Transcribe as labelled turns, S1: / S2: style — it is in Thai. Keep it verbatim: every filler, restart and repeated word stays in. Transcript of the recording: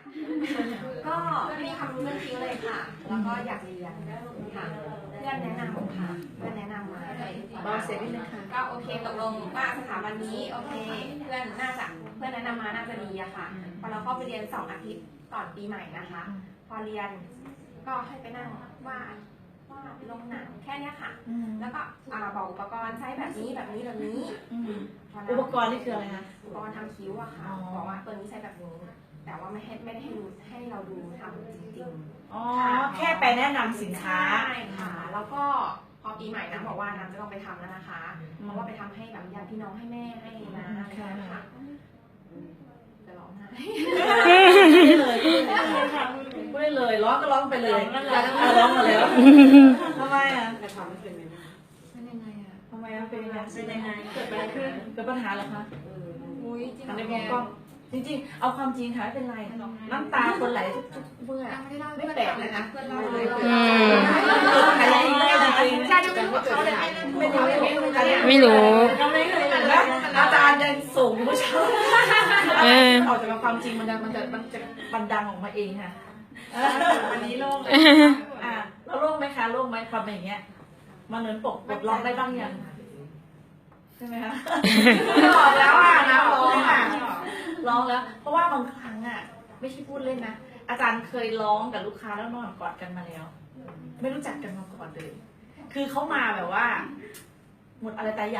S1: ก็ไม่มีความรู้เรื่องคิ้วเลยค่ะ แล้วก็อยากเรียนค่ะเพื่อนแนะนำค่ะเพื่อนแนะนำมา
S2: เบาเสียงนิดนึงค่ะ
S1: ก็โอเคตกลงว่าสถาบันนี้โอเคเพื่อนน่าจะเพื่อนแนะนำมาน่าจะดีอะค่ะพอเราเข้าไปเรียนสองอาทิตย์ก่อนปีใหม่นะคะ พอเรียนก็ให้ไปนั่งวาดวาดลงหนังแค่เนี้ยค่ะ แล้วก็อ่าบอกอุปกรณ์ใช้แบบนี้แบบนี้แบบนี้
S2: อุปกรณ์นี่คืออะไรคะ
S1: อุปกรณ์ทำคิ้วอะค่ะบอกว่าตัวนี้ใช้แบบนี้แต่ว่าไม่ให้ไม่ได้ให้ดูให้เราดูทำจริงๆ
S2: อ๋อแค่ไปแนะนำสินค้า
S1: ใช่ค่ะ แล้วก็พอปีใหม่นะบอกว่าน้ำจะต้องไปทำแล้วนะคะ เพราะว่าไปทำให้แบบญาติพี่น้องให้แม่ให้นะอะไรอย่างเงี้ยค่ะจะร้องไห้
S2: ไม่เลยพูดได้เลยร้องก็ร้องไปเลยอ่ะร้องมาแล้วทำไมอ่ะ
S1: เป็นยังไงอะ
S2: ทำไมอ่ะเป็นยังไงเป็นยังไงเกิดอะไรขึ้นเกิดปัญหาเหรอคะ
S1: อุ้ยจริง
S2: อัน
S1: เหร
S2: นี้
S1: อ
S2: มองกล้องจริงๆ เอาความจริงค่ะไม่เป็นไรน้ำตาคนไหลทุกๆเมื่อ
S1: ยังไม่ได้เล่า
S2: ไม่แปลกเลยนะ
S1: เพื่อนเล่าเลย
S3: อืม
S2: เกิดปัญหาจริงไม่จริง
S1: ใช่ยังไม่รู้เขาเลยไม่รู้ไม่รู้ไม่รู้
S3: ไม่รู้
S2: แล้วอาจารย์ยังส่งผู้ชาย
S3: เออ
S2: ออกจากความจริงมันจะมันจะมันจะบันดังออกมาเองค่ะวันนี้โล่งอ่ะเราโล่งไหมคะโล่งไหมความเป็นอย่างเงี้ยมันเหมือนปกปลดล็อกได้บ้างยังใช่ไหมคะร้องแล้วอ่ะนะร้องอ่ะร้องแล้ว เพราะว่าบางครั้งอ่ะไม่ใช่พูดเล่นนะอาจารย์เคยร้องกับลูกค้าแล้วนอนกอดกันมาแล้ว ไม่รู้จักกันมาก่อนเลย คือเขามาแบบว่า หมดอะไรตาย